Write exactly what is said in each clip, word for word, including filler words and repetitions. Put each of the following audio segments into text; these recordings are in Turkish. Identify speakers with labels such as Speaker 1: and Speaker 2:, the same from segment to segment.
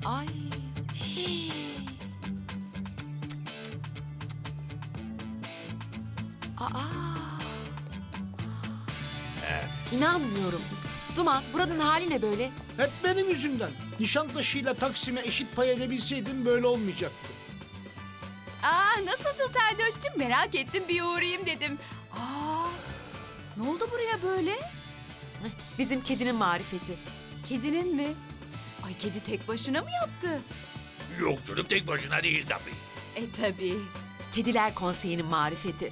Speaker 1: Ay. Hii. Aa. İnanmıyorum. Duman, buranın hali ne böyle?
Speaker 2: Hep benim yüzümden. Nişantaşı'yla Taksim'e eşit pay edebilseydim böyle olmayacaktı.
Speaker 3: Aa, nasılsın Seldoş'cum? Merak ettim, bir uğrayayım dedim. Aa, ne oldu buraya böyle?
Speaker 1: Bizim kedinin marifeti.
Speaker 3: Kedinin mi? Ay, kedi tek başına mı yaptı?
Speaker 4: Yok canım, tek başına değil tabii.
Speaker 3: E tabii.
Speaker 1: Kediler Konseyi'nin marifeti.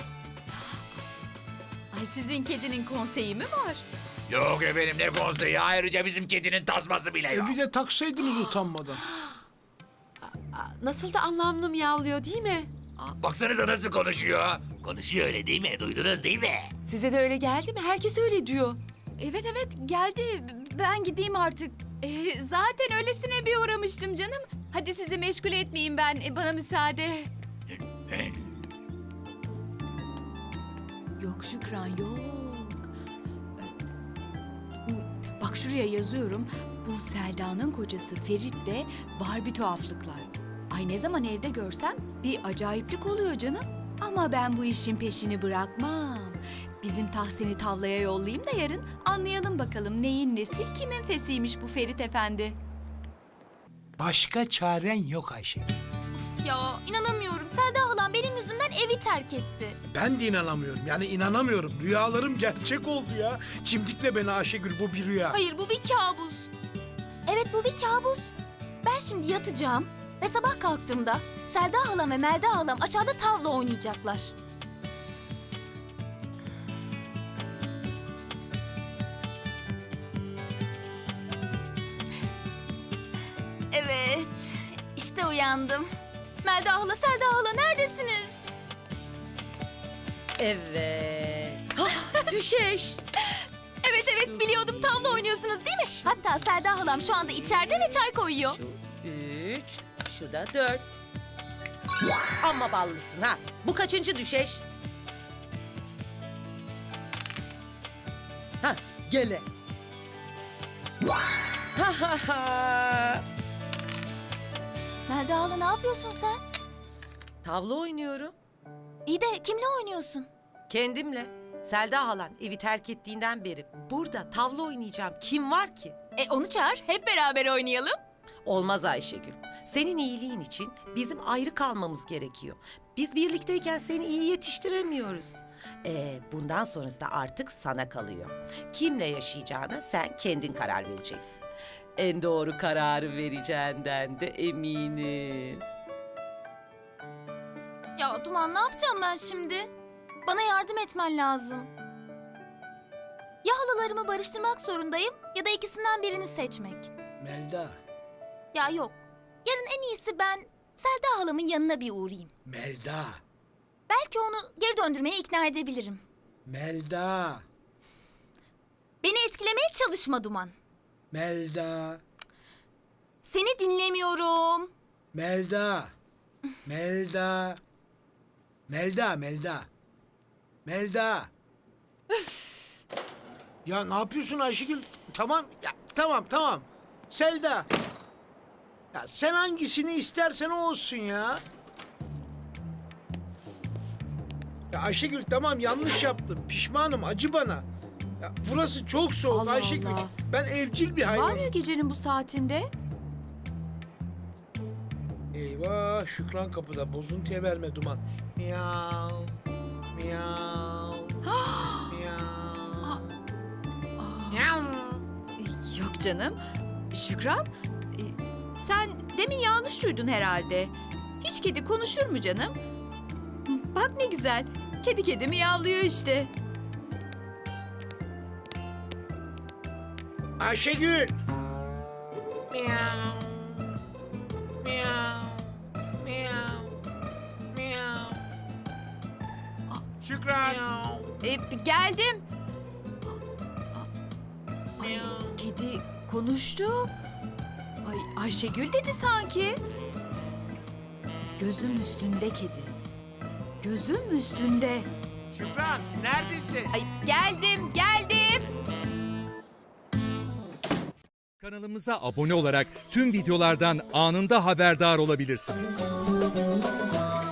Speaker 3: Ay, sizin kedinin konseyi mi var?
Speaker 4: Yok efendim, ne konseyi, ayrıca bizim kedinin tasması bile
Speaker 2: E
Speaker 4: yok.
Speaker 2: bir de taksaydınız utanmadan.
Speaker 1: Aa, nasıl da anlamlı miyavlıyor değil mi?
Speaker 4: Baksanıza nasıl konuşuyor. Konuşuyor öyle değil mi? Duydunuz değil mi?
Speaker 1: Size de öyle geldi mi? Herkes öyle diyor.
Speaker 3: Evet evet, geldi. Ben gideyim artık. E, zaten öylesine bir uğramıştım canım. Hadi sizi meşgul etmeyeyim ben. E, bana müsaade. Yok Şükran, yok. Bak şuraya yazıyorum. Bu Selda'nın kocası Ferit'le var bir tuhaflıklar. Ay, ne zaman evde görsem bir acayiplik oluyor canım. Ama ben bu işin peşini bırakmam. Bizim Tahsin'i tavlaya yollayayım da yarın anlayalım bakalım neyin nesi, kimin fesiymiş bu Ferit efendi.
Speaker 2: Başka çaren yok Ayşegül.
Speaker 5: Ya inanamıyorum. Selda halam benim yüzümden evi terk etti.
Speaker 2: Ben de inanamıyorum. Yani inanamıyorum. Rüyalarım gerçek oldu ya. Çimdikle beni Ayşegül, bu bir rüya.
Speaker 5: Hayır, bu bir kabus. Evet, bu bir kabus. Ben şimdi yatacağım ve sabah kalktığımda Selda halam ve Melda halam aşağıda tavla oynayacaklar. Evet, işte uyandım. Melda hala, Selda hala neredesiniz?
Speaker 6: Evet. Düşeş.
Speaker 5: Evet evet, biliyordum, tavla oynuyorsunuz değil mi? Hatta Selda halam şu anda içeride ve çay koyuyor.
Speaker 6: Şu üç, şu da dört. Amma ballısın ha. Bu kaçıncı düşeş? Ha, gele. Ha ha ha.
Speaker 5: Melda hala, ne yapıyorsun sen?
Speaker 6: Tavla oynuyorum.
Speaker 5: İyi de kimle oynuyorsun?
Speaker 6: Kendimle. Selda halan evi terk ettiğinden beri burada tavla oynayacağım. Kim var ki?
Speaker 5: E onu çağır, hep beraber oynayalım.
Speaker 6: Olmaz Ayşegül. Senin iyiliğin için bizim ayrı kalmamız gerekiyor. Biz birlikteyken seni iyi yetiştiremiyoruz. Ee, bundan sonrası da artık sana kalıyor. Kimle yaşayacağına sen kendin karar vereceksin. En doğru kararı vereceğinden de eminim.
Speaker 5: Ya Duman, ne yapacağım ben şimdi? Bana yardım etmen lazım. Ya halalarımı barıştırmak zorundayım ya da ikisinden birini seçmek.
Speaker 2: Melda,
Speaker 5: Ya yok. Yarın en iyisi ben Selda halamın yanına bir uğrayayım.
Speaker 2: Melda,
Speaker 5: Belki onu geri döndürmeye ikna edebilirim.
Speaker 2: Melda,
Speaker 5: Beni etkilemeye çalışma Duman.
Speaker 2: Melda,
Speaker 5: Seni dinlemiyorum.
Speaker 2: Melda, Melda, Melda, Melda, Melda. Ya ne yapıyorsun Ayşegül? Tamam, ya, tamam, tamam. Selda. Ya sen hangisini istersen o olsun ya. Ya Ayşegül, tamam, yanlış yaptım. Pişmanım, acı bana. Ya burası çok soğuk
Speaker 1: Allah
Speaker 2: Ayşegül.
Speaker 1: Allah.
Speaker 2: Ben evcil bir
Speaker 1: Var
Speaker 2: hayvanım.
Speaker 1: ya gecenin bu saatinde.
Speaker 2: Eyvah, Şükran kapıda. Bozuntuya verme Duman. Miyav, miyav, miyav. Miyav.
Speaker 3: Yok canım. Şükran, e, sen demin yanlış duydun herhalde. Hiç kedi konuşur mu canım? Bak ne güzel. Kedi kedi miyavlıyor işte.
Speaker 2: Ayşegül. Miyav, miyav, miyav, miyav. Şükran.
Speaker 3: E, geldim.
Speaker 2: Miyav.
Speaker 3: Kedi konuştu. Ay, Ayşegül dedi sanki. Gözüm üstünde kedi. Gözüm üstünde.
Speaker 2: Şükran, neredesin?
Speaker 3: Ay, geldim, geldim.
Speaker 7: Kanalımıza abone olarak tüm videolardan anında haberdar olabilirsiniz.